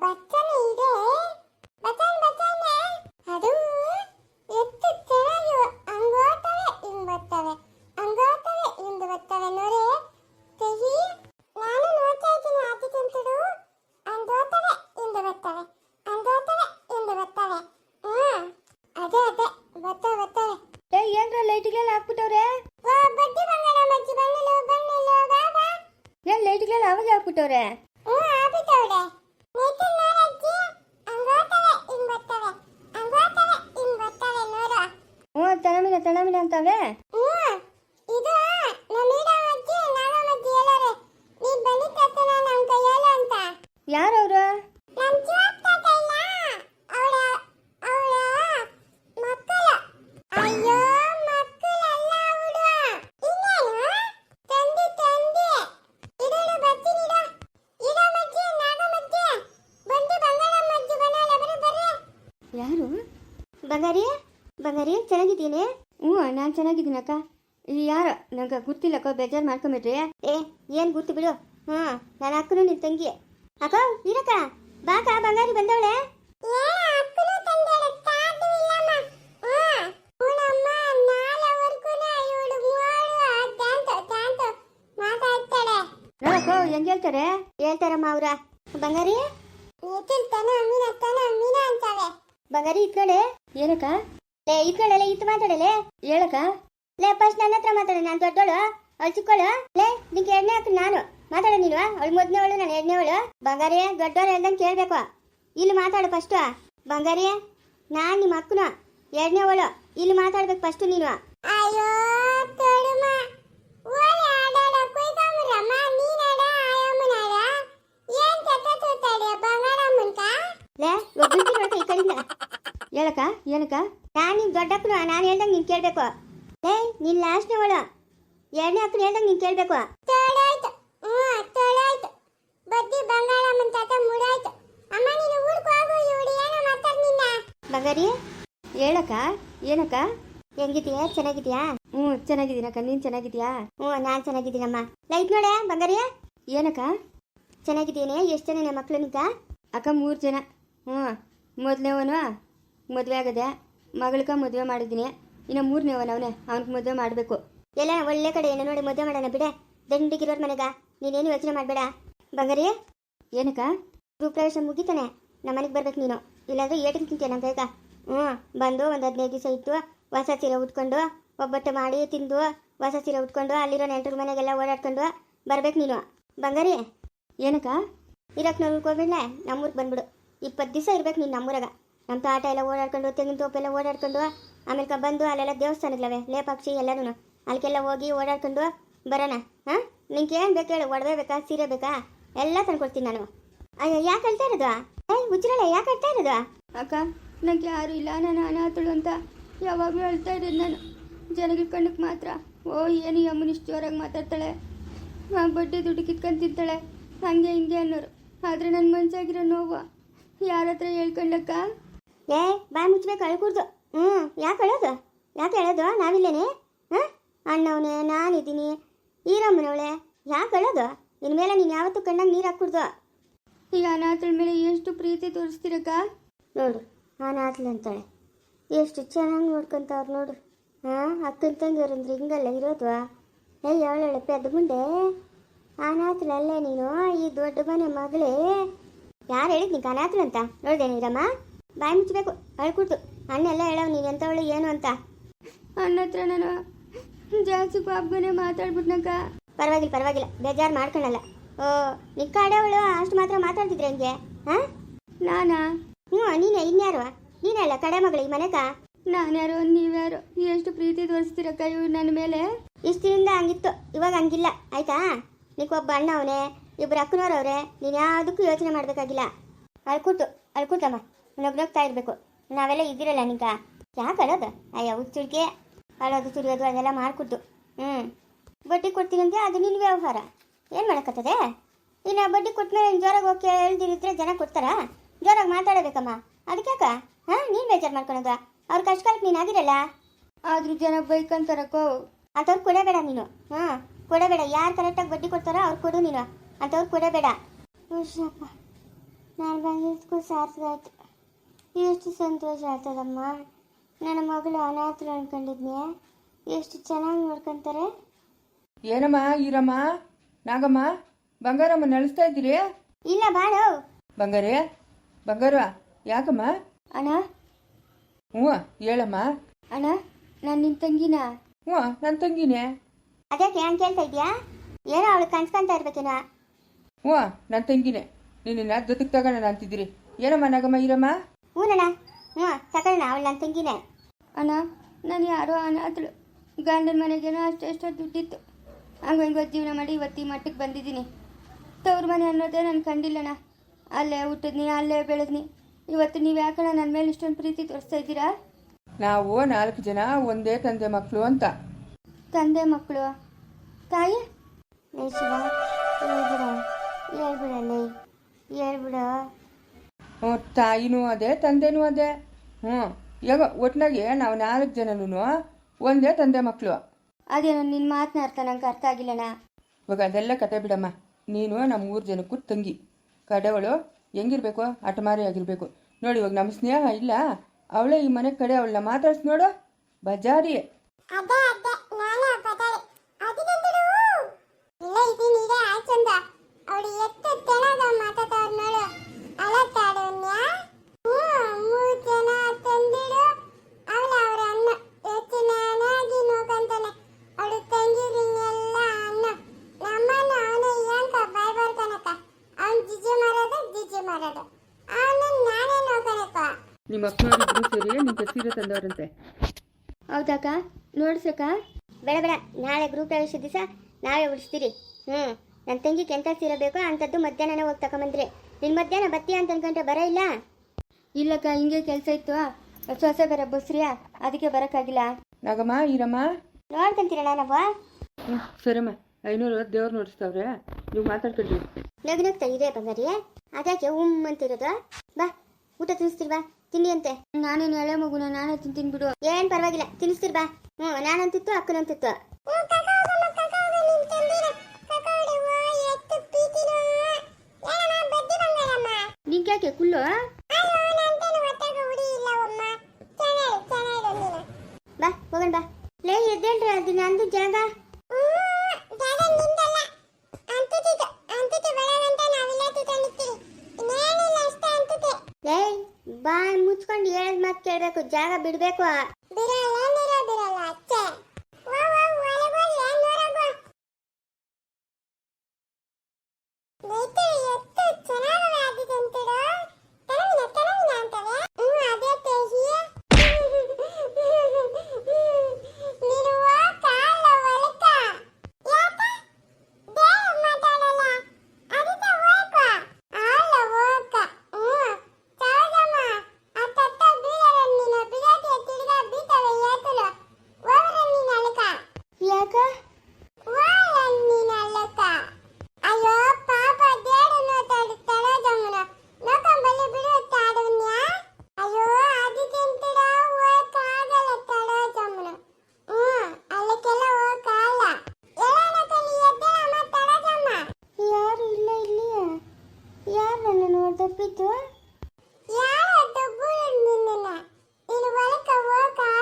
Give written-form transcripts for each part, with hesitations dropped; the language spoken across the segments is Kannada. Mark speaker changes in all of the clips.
Speaker 1: ಬಚ್ಚನೆ ಇದೆ. ಬಚ್ಚನೆ ಅದು ಎಷ್ಟು ಚೆನ್ನಾಗಿ ಹಂಗೋತವೆ ಹಿಂಗ್ ಬರ್ತವೆ, ಹಂಗೋತವೆ ಹಿಂಗ್ ಬರ್ತವೆ ನೋಡಿ. ತೆಗಿ, ನಾನು ನೋಡ್ತಾ ಇದ್ದೀನಿ ಆದಿ ತಿಂತಡು. ಹಂಗೋತವೆ ಹಿಂಗ್ ಬರ್ತವೆ, ಹಂಗೋತವೆ ಹಿಂಗ್ ಬರ್ತವೆ. ಅದೇ ಬರ್ತವೆ.
Speaker 2: ಏನ್ರ ಲೈಟ್ಗಳೆಲ್ಲ ಹಾಕ್ಬಿಟ್ಟವ್ರೆ?
Speaker 1: ಬಡ್ಡಿ ಬಂಗಾಳ ಮಜ್ಜಿ ಬಣ್ಣಿಲು ಬಾಬಾ.
Speaker 2: ಏನ್ ಲೈಟ್ಗಳೆಲ್ಲ ಅವಾಗ ಹಾಕ್ಬಿಟ್ಟವ್ರೆ?
Speaker 1: ಹಾಕ್ಬಿಟ್ಟವ್ರೆ. ನೇತಲ್ ನೋಡಜ್ಜಿ, ಹಂಗೋತವೆ ಹಿಂಗ್ ಬರ್ತವೆ, ಹಂಗೋತವೆ ಹಿಂಗ್ ಬರ್ತವೆ ನೋಡು.
Speaker 2: ತಣಮಿನ ಅಂತವೆ.
Speaker 1: ಇದು ನಮೀಡಾಮಜ್ಜಿ ನಾಗಮಜ್ಜಿ ಹೇಳೋರೆ. ನೀನ್ ಬನ್ನಿ ತತ್ತನ ನಮ್ ಕೈಯಲ್ಲ ಅಂತ.
Speaker 2: ಯಾರವ್ರು?
Speaker 1: ನಮ್ ಚಿವಪ್ಪ ತಾತ ಇಲ್ಲ, ಅವಳ ಮಕ್ಕಳು. ಅಯ್ಯೋ ಮಕ್ಕಳಲ್ಲ ಅವಳು. ಇನ್ನೇನು ತಂದಿ ಇಡೋಡು ಬರ್ತೀನಿಡ. ಇಡೋ ಮಜ್ಜಿ ನಾಗಮಜ್ಜಿ ಬಂದು ಬಂಗಾಳಮ್ಮಜ್ಜಿ ಬನ್ನಲ್ಲ ಬರ್ರಿ.
Speaker 2: ಯಾರು? ಬಂಗಾರಿ ಚೆನ್ನಾಗಿದ್ದೀನಿ? ನಾನು ಚೆನ್ನಾಗಿದ್ದೀನಕ್ಕ. ಯಾರು ನಂಗೆ ಗೊತ್ತಿಲ್ಲಕ್ಕ, ಬೇಜಾರು ಮಾಡ್ಕೊಂಬಿಟ್ರಿ. ಏನು ಗೊತ್ತು ಬಿಡು. ನಾನು ಅಕ್ಕನು ನಿನ್ನ ತಂಗಿ. ಅಕ್ಕ ಇರಕ್ಕ, ಬಾಕ ಬಂಗಾರಿ ಬಂದವಳೆ. ನೋಡಕ್ಕ ಹೆಂಗ್ ಹೇಳ್ತಾರಮ್ಮ ಅವ್ರ. ಬಂಗಾರಿ ಬಂಗಾರಿ ಇತ್ಕಡೆ ಏನಕ್ಕ? ಇತ್ಕಡೆ ಇತ್ತು ಮಾತಾಡಲೆ ಹೇಳಕ್ಕ. ಫಸ್ಟ್ ನನ್ನ ಹತ್ರ ಮಾತಾಡ, ನಾನು ದೊಡ್ಡವಳು, ಅವಳು ಚಿಕ್ಕವಳು. ನಿಂಗೆ ಎರಡನೇ ಹಾಕ ನಾನು ಮಾತಾಡ. ನೀನು ಅವಳು ಮೊದಲನೇವಳು, ನಾನು ಎರಡನೇವಳು. ಬಂಗಾರಿ ದೊಡ್ಡವಳು ಹೇಳ್ದಂಗೆ ಕೇಳಬೇಕು. ಇಲ್ಲಿ ಮಾತಾಡು ಫಸ್ಟು. ಬಂಗಾರಿ ನಾನು ನಿಮ್ಮ ಅಕ್ಕನು, ಎರಡನೇವಳು. ಇಲ್ಲಿ ಮಾತಾಡ್ಬೇಕು ಫಸ್ಟು ನೀನು.
Speaker 1: ಅಯ್ಯೋ ತೋಳುಮ ಓಲೆ ಆಡಾಡ ಕೊಯ್ತಾಮರಮ್ಮ ನೀನಾಡ ಆಯಮ್ಮನಾಡ ಏನ್ ಕಥ ತೂತಾಡಿ ಬಂಗಾರಮ್ಮನ್ಕ.
Speaker 2: ಒಬ್ಬಂತಿ ನೋಡ್ಕ ಈ ಕಡೆಯಿಂದ ಹೇಳಕ್ಕ. ಏನಕ್ಕ? ನಾನು ನಿನ್ ದೊಡ್ಡಕ್ಕನು, ನಾನು ಹೇಳ್ದಂಗೆ ನೀನು ಕೇಳಬೇಕು. ನೀನ್ ಲಾಸ್ಟ್ನೇವಳು, ಎರಡನೇ ಅಕ್ಕನ ಹೇಳ್ದಂಗೆ ನೀನು ಕೇಳಬೇಕು.
Speaker 1: ತೋಳಾಯ್ತು ಬಡ್ಡಿ ಬಂಗಾರಮ್ಮನ ತಾತ ಮುಡಾಯ್ತು. ಅಮ್ಮ ನೀನು ಊರ್ಗೆ ಹೋಗು, ಇವಳು ಏನೋ ಮಾತಾಡ್ ನಿನ್ನ.
Speaker 2: ಬಂಗಾರಿ ಹೇಳಕ್ಕ. ಏನಕ್ಕ? ಹೆಂಗಿದ್ಯಾ? ಚೆನ್ನಾಗಿದ್ಯಾ? ಚೆನ್ನಾಗಿದ್ದೀನಕ್ಕ. ನೀನು ಚೆನ್ನಾಗಿದ್ಯಾ? ನಾನು ಚೆನ್ನಾಗಿದ್ದೀನಮ್ಮ. ಲೈಟ್ ನೋಡೆ ಬಂಗಾರಿ. ಏನಕ್ಕ? ಚೆನ್ನಾಗಿದ್ದೀನಿ. ಎಷ್ಟು ಜನ ನಮ್ಮ ಮಕ್ಕಳು ನಿಂತ? ಅಕ್ಕ 3 ಜನ. ಮೊದಲನೇವನು ಮದುವೆ ಆಗದೆ, ಮಗಳಕ ಮದುವೆ ಮಾಡಿದ್ದೀನಿ. ಇನ್ನು 3ನೇವನು ಅವನೇ, ಅವ್ನಿಗೆ ಮದುವೆ ಮಾಡಬೇಕು. ಎಲ್ಲ ಒಳ್ಳೆ ಕಡೆ ಏನು ನೋಡಿ ಮದುವೆ ಮಾಡೋಣ ಬಿಡೆ. ದಂಡಿಗಿರೋರ್ ಮನೆಗ ನೀನೇನು ಯೋಚನೆ ಮಾಡಬೇಡ. ಬಂಗಾರಿ ಏನಕ್ಕ? ಗೃಹಪ್ರವೇಶ ಮುಗಿತಾನೆ ನಮ್ಮ ಮನೆಗೆ ಬರ್ಬೇಕು ನೀನು, ಇಲ್ಲಾಂದ್ರೆ ಏಟಿಗೆ ತಿಂತೀಯ ನಮ್ಮ ಬೇಗ. ಬಂದು ಒಂದು 15 ದಿವಸ ಇತ್ತು, ಹೊಸ ಸೀರೆ ಉಟ್ಕೊಂಡು ಒಬ್ಬಟ್ಟು ಮಾಡಿ ತಿಂದು ಹೊಸ ಸೀರೆ ಉಟ್ಕೊಂಡು ಅಲ್ಲಿರೋ ನೆಂಟರ ಮನೆಗೆಲ್ಲ ಓಡಾಡ್ಕೊಂಡು ಬರ್ಬೇಕು ನೀನು. ಬಂಗಾರಿ ಏನಕ್ಕ? ಇರಕ್ಕೆ ನಾವು ಉಳ್ಕೊಬಿಡ್ಲೆ, ನಮ್ಮೂರಿಗೆ ಬಂದ್ಬಿಡು. 20 ದಿವಸ ಇರ್ಬೇಕು ನೀನು ನಮ್ಮೂರಾಗ. ನಮ್ಮ ತೋಟ ಎಲ್ಲ ಓಡಾಡ್ಕೊಂಡು, ತೆಂಗಿನ ತೋಪೆಲ್ಲ ಓಡಾಡ್ಕೊಂಡು, ಆಮೇಲೆ ಬಂದು ಅಲ್ಲೆಲ್ಲ ದೇವಸ್ಥಾನಗಳವೆ ಲೇಪಾಕ್ಷಿ ಎಲ್ಲರೂ, ಅಲ್ಲಿಗೆಲ್ಲ ಹೋಗಿ ಓಡಾಡ್ಕೊಂಡು ಬರೋಣ. ನಿಂಗೆ ಏನು ಬೇಕು ಹೇಳು? ಒಡವೆ ಬೇಕಾ, ಸೀರೆ ಬೇಕಾ, ಎಲ್ಲ ತಂದ್ಕೊಡ್ತೀನಿ ನಾನು. ಅಯ್ಯೋ ಯಾಕೆ ಹೇಳ್ತಾ ಇರೋದು? ಹುಚ್ಚರಲ್ಲ, ಯಾಕೆ ಹೇಳ್ತಾ ಇರೋದು? ಅಕ್ಕ ನನಗೆ ಯಾರು ಇಲ್ಲ, ನಾನು ಅನಾಥಳು ಅಂತ ಯಾವಾಗಲೂ ಹೇಳ್ತಾ ಇದ್ದೀನಿ ನಾನು. ಜನಗಳ ಕಣ್ಣಕ್ಕೆ ಮಾತ್ರ ಏನು ಯಮ್ಮನಿಷ್ಟು ಜೋರಾಗಿ ಮಾತಾಡ್ತಾಳೆ, ಬಡ್ಡಿ ದುಡ್ಡು ಕಿತ್ಕೊಂಡು ತಿಂತಾಳೆ, ಹಂಗೆ ಹಿಂಗೆ ಅನ್ನೋರು. ಆದರೆ ನನ್ನ ಮನ್ಸಾಗಿರೋ ನೋವು ಯಾರ ಹತ್ರ ಹೇಳ್ಕೊಂಡ್ಲಕ್ಕ? ಬಾಯಿ ಮುಚ್ಚಬೇಕು, ಅಳ್ಕೂಡ್ದು. ಯಾಕೆ ಹೇಳೋದು? ನಾವಿಲ್ಲೇನೆ ಅಣ್ಣವನೇ, ನಾನಿದ್ದೀನಿ, ಈರಮ್ಮನವಳೆ. ಯಾಕೆ ಹೇಳೋದು? ಇನ್ಮೇಲೆ ನೀನು ಯಾವತ್ತೂ ಕಣ್ಣಾಗ ನೀರು ಹಾಕ್ಕೊಡ್ದು. ಈಗ ಅನಾಥಳ ಮೇಲೆ ಎಷ್ಟು ಪ್ರೀತಿ ತೋರಿಸ್ತೀರಕ್ಕ? ನೋಡು ಅನಾಥಳು ಅಂತಾಳೆ, ಎಷ್ಟು ಚೆನ್ನಾಗಿ ನೋಡ್ಕೊಂತವ್ರು ನೋಡು. ಅಕ್ಕನ ತಂಗಿಯವ್ರಂದ್ರೆ ಹಿಂಗಲ್ಲ ಇರೋದು. ಅವಳೆ ಪೆದ್ದ ಮುಂಡೆ ಅನಾಥಳಲ್ಲೇ ನೀನು, ಈ ದೊಡ್ಡ ಮನೆ ಮಗಳೇ. ಯಾರು ಹೇಳಿದ್ ನಿಂಗೆ ಅನಾಥಳು ಅಂತ? ನೋಡಿದೆ ನೀರಮ್ಮ, ಬಾಯಿ ಮುಚ್ಚಬೇಕು, ಅಳ್ಕೊಡ್ತು. ಅಣ್ಣ ಎಲ್ಲ ಹೇಳವ್ ನೀನು ಎಂಥವಳು ಏನು ಅಂತ. ಅಣ್ಣ ಹತ್ರ ನಾನು ಜಾಸ್ತಿ ಪಾಪನೇ ಮಾತಾಡ್ಬಿಟ್ನಕ್ಕ. ಪರವಾಗಿಲ್ಲ, ಬೇಜಾರು ಮಾಡ್ಕೊಳಲ್ಲ. ನಿಕ್ಕಾಡವಳು ಅಷ್ಟು ಮಾತ್ರ ಮಾತಾಡ್ತಿದ್ರೆ ಹೆಂಗೆ? ನಾನಾ? ನೀನೇ. ಇನ್ಯಾರು? ನೀನಲ್ಲ ಕಡೆ ಮಗಳು ಈ ಮನೆಗ. ನಾನ್ಯಾರು ನೀವ್ಯಾರು? ಎಷ್ಟು ಪ್ರೀತಿ ತೋರಿಸ್ತೀರಕ್ಕ ಇವ್ರು ನನ್ನ ಮೇಲೆ? ಇಷ್ಟು ದಿನದಿಂದ ಹಂಗಿತ್ತು, ಇವಾಗ ಹಂಗಿಲ್ಲ ಆಯ್ತಾ? ನಿಕ್ಕೊಬ್ಬ ಅಣ್ಣ ಅವನೇ, ಇಬ್ಬರು ಅಕ್ಕನವ್ರವ್ರೆ. ನೀನು ಯಾವುದಕ್ಕೂ ಯೋಚನೆ ಮಾಡಬೇಕಾಗಿಲ್ಲ. ಅಳ್ಕೊಟ್ಟಮ್ಮ ನಗ್ನಗ್ತಾ ಇರಬೇಕು. ನಾವೆಲ್ಲ ಇದ್ದಿರಲ್ಲ ನಿಂಗ. ಯಾಕೆ ಅಳೋದು? ಅಯ್ಯ ಹುಚ್ಚುಡ್ಕೆ, ಅಳೋದು ಸುರಿಯೋದು ಅದೆಲ್ಲ ಮಾಡ್ಕೊಟ್ಟು. ಬಡ್ಡಿ ಕೊಡ್ತೀನಂತೆ, ಅದು ನಿನ್ನ ವ್ಯವಹಾರ. ಏನು ಮಾಡೋಕ್ಕತ್ತದೆ? ಇನ್ನು ಬಡ್ಡಿ ಕೊಟ್ಟಮೇಲೆ ಜೋರಾಗಿ ಹೋಗಿ ಹೇಳ್ದಿರಿದ್ರೆ ಜನ ಕೊಡ್ತಾರಾ? ಜೋರಾಗಿ ಮಾತಾಡಬೇಕಮ್ಮ. ಅದಕ್ಯಾಕ ನೀನು ಬೇಜಾರು ಮಾಡ್ಕೊಳೋದು? ಅವ್ರ ಕಷ್ಟ ಕಾಲಕ್ಕೆ ನೀನು ಆಗಿರಲ್ಲ. ಆದರೂ ಜನ ಬೈಕಂತಾರಕ್ಕೋ. ಅಂಥವ್ರು ಕೊಡಬೇಡ ನೀನು. ಕೊಡಬೇಡ. ಯಾರು ಕರೆಕ್ಟಾಗಿ ಬಡ್ಡಿ ಕೊಡ್ತಾರೋ ಅವ್ರು ಕೊಡು ನೀನು. ಅಂಥವ್ರು ಕೊಡಬೇಡ. ಹುಷಪ್ಪ, ನಾನು ಬಂದಿದ್ದಕ್ಕೂ ಸಾರ್ಥಕ ಆಯ್ತು. ಎಷ್ಟು ಸಂತೋಷ ಆಗ್ತದಮ್ಮ. ನನ್ನ ಮಗಳು ಅನಾಥರು ಅನ್ಕೊಂಡಿದ್ನೆ, ಎಷ್ಟು ಚೆನ್ನಾಗಿ ನೋಡ್ಕೊಂತಾರೆ.
Speaker 3: ಏನಮ್ಮ ಈರಮ್ಮ ನಾಗಮ್ಮ ಬಂಗಾರಮ್ಮ ನಡೆಸ್ತಾ ಇದ್ದೀರಿ?
Speaker 2: ಇಲ್ಲ ಬಾಳು.
Speaker 3: ಬಂಗಾರೇ ಬಂಗಾರ ಯಾಕಮ್ಮ?
Speaker 2: ಅಣ್ಣ.
Speaker 3: ಹ್ಞೂ ಹೇಳಮ್ಮ.
Speaker 2: ಅಣ್ಣ ನಾನು ನಿಮ್ಮ ತಂಗಿನ.
Speaker 3: ಹ್ಞೂ ನನ್ನ ತಂಗಿನೇ.
Speaker 2: ಅದಕ್ಕೆ ಏನು ಕೇಳ್ತಾ ಇದೆಯಾ? ಏನೋ ಅವಳು ಕನ್ಸ್ಕೊಂತ ಇರ್ಬೇಕೇನೋ.
Speaker 3: ಹ್ಞೂ ನನ್ನ ತಂಗಿನೇ. ನಿನ್ನ ಜೊತೆಗೆ ತಗೋಣ ಅಂತಿದ್ದೀರಿ. ಏನಮ್ಮ ನಾಗಮ್ಮ ಈರಮ್ಮ?
Speaker 2: ಹ್ಞೂನಣ್ಣ. ಹ್ಞೂ ತಗೊಳ್ಳೋಣ, ಅವಳು ನನ್ನ ತಂಗಿನೇ. ಅಣ್ಣ ನಾನು ಯಾರೋ ಅನಾಥಳು. ಗಂಡನ ಮನೆಗೇನೋ ಅಷ್ಟೆಷ್ಟೋ ದುಡ್ಡಿತ್ತು. ಹಂಗೋ ಜೀವನ ಮಾಡಿ ಇವತ್ತು ಈ ಮಟ್ಟಕ್ಕೆ ಬಂದಿದ್ದೀನಿ. ತವ್ರ ಮನೆ ಅನ್ನೋದೇ ನಾನು ಕಂಡಿಲ್ಲಣ್ಣ. ಅಲ್ಲೇ ಹುಟ್ಟಿದ್ನಿ, ಅಲ್ಲೇ ಬೆಳೆದ್ನಿ. ಇವತ್ತು ನೀವು ಯಾಕಣ್ಣ ನನ್ನ ಮೇಲೆ ಇಷ್ಟೊಂದು ಪ್ರೀತಿ ತೋರಿಸ್ತಾ ಇದ್ದೀರಾ?
Speaker 3: ನಾವು 4 ಜನ ಒಂದೇ ತಂದೆ ಮಕ್ಕಳು ಅಂತ.
Speaker 2: ತಂದೆ ಮಕ್ಕಳು ತಾಯಿ ಹೇಳ್ಬಿಡ.
Speaker 3: ಹ್ಞೂ ತಾಯಿನೂ ಅದೇ ತಂದೆನೂ ಅದೇ. ಹ್ಞೂ ಈಗ ಒಟ್ಟಿನಾಗೆ ನಾವು 4 ಜನನೂ ಒಂದೇ ತಂದೆ ಮಕ್ಕಳು.
Speaker 2: ಅದೇನೋ ನಿನ್ನ ಮಾತನ್ನ ನಂಗೆ ಅರ್ಥ ಆಗಿಲ್ಲಣ್ಣ.
Speaker 3: ಇವಾಗ ಅದೆಲ್ಲ ಕತೆ ಬಿಡಮ್ಮ. ನೀನು ನಮ್ಮ 3 ಜನಕ್ಕೂ ತಂಗಿ. ಕಡೆವಳು ಹೆಂಗಿರ್ಬೇಕು? ಹಠಮಾರಿ ಆಗಿರ್ಬೇಕು. ನೋಡಿ ಇವಾಗ ನಮ್ಮ ಸ್ನೇಹ ಇಲ್ಲ, ಅವಳೇ ಈ ಮನೆ ಕಡೆ ಅವಳನ್ನ ಮಾತಾಡ್ಸಿ ನೋಡು, ಬಜಾರಿ.
Speaker 1: ಅದೇ ನಾನೇ ಬದಾರೆ ಅದಕ್ಕೆಂತಲೂ ಇಲ್ಲ ಇದೀನಿ. ಇದೆ ಆಚಂದ ಅವಳು ಎತ್ತ ತೆಣದ ಮಾತಾಡೋರು ನೋಡು. ಅಲತ್ತಾಡೋನ್ಯಾ 3 ಜನ ತಂದಿಡು. ಅವಳ ಅವ್ರ ಅನ್ನ ಎಷ್ಟು ನಾನಾಗಿ ನೋಡ್ಕೊಂತಾನೆ. ಅವಳು ತಂಗಿರಿಂಗೆಲ್ಲ ಅನ್ನ ನಮ್ಮನ್ನ ಅವನು ಏನಕ ಬಾಯ್ ಬರ್ತಾನಕ್ಕ. ಅವನು ಜಿಜಿ ಮಾರೋದು ಅವನನ್ನ ನಾನೇ ನೋಡ್ಕೊಳಕ್ಕ.
Speaker 3: ನಿಮ್ಮ ಅಕ್ಕನವರಿಬ್ರು ಸೇರಿ ನಿಂಗೆ ಸೀರೆ ತಂದವರಂತೆ.
Speaker 2: ಹೌದಾಕ? ನೋಡ್ಸಕ್ಕ? ಬೇಡ, ನಾಳೆ ಗ್ರೂಪ್ ಪ್ರವೇಶ ದಿವಸ ನಾವೇ ಉಳಿಸ್ತೀರಿ. ನನ್ನ ತಂಗಿಗೆ ಎಂಥ ಸೀರೆ ಬೇಕೋ ಅಂಥದ್ದು ಮಧ್ಯಾಹ್ನನೇ ಹೋಗಿ ತಗೊಂಬಂದ್ರಿ. ನಿನ್ನ ಮಧ್ಯಾಹ್ನ ಬತ್ತೀಯ ಅಂತ ಅನ್ಕೊಂಡ್ರೆ ಬರ ಇಲ್ಲ. ಇಲ್ಲಕ್ಕ, ಹಿಂಗೆ ಕೆಲಸ ಇತ್ತು. ಸೊಸೆ ಬೇರೆ ಬಸ್ರಿಯಾ, ಅದಕ್ಕೆ ಬರೋಕ್ಕಾಗಿಲ್ಲ.
Speaker 3: ನಾಗಮ್ಮ ಈರಮ್ಮ
Speaker 2: ನೋಡ್ಕೊಂತೀರಣ್ಣ ನಾವು.
Speaker 3: ಹ್ಞೂ ಸರಮ್ಮ. 500 ದೇವ್ರು ನೋಡಿಸ್ತಾವ್ರೆ, ನೀವು ಮಾತಾಡ್ಕೊಳ್ರಿ.
Speaker 2: ನಗ್ನಗ್ತಾ ಇದೆ ಬಂಗಾರಿ. ಅದಕ್ಕೆ ಅಂತಿರೋದು. ಬಾ ಊಟ ತಿನ್ನಿಸ್ತಿಲ್ವಾ? ತಿನ್ನಿ ಅಂತೆ. ನಾನೇನು ಎಳೆ ಮಗುನ, ನಾನೇ ತಿಂತೀನಿ ಬಿಡು. ಏನು ಪರವಾಗಿಲ್ಲ, ತಿನ್ನಿಸ್ತಿರ್ ಬಾ. ನಾನಂತಿತ್ತು ಅಕ್ಕನಂತಿತ್ತು. ನಿಂಗ್ಯಾಕೆ ಕುಳ್ಳು? ಬಾ ಹೋಗೋಣ ಬಾ. ಲೇ ಎದ್ದೇಳ್ರಿ, ಅದು ನಂದು ಜಾಗ. ಲೇ ಬಾಯ್ ಮುಚ್ಕೊಂಡು ಹೇಳದ್ ಮಾತು ಕೇಳಬೇಕು, ಜಾಗ ಬಿಡಬೇಕು.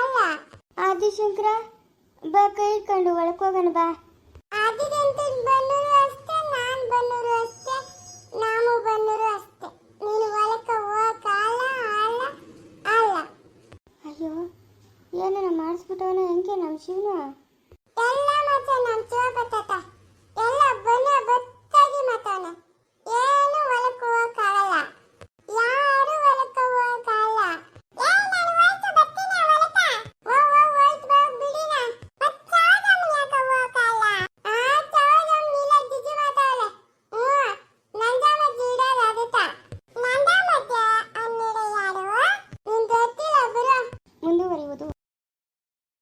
Speaker 2: ಆದಿಶಂಕರ ಬಾ, ಕೈ ಇಟ್ಕೊಂಡು ಒಳಕೋಗೋಣ ಬಾ.
Speaker 1: ಆದಿದಂತ ಬಂದು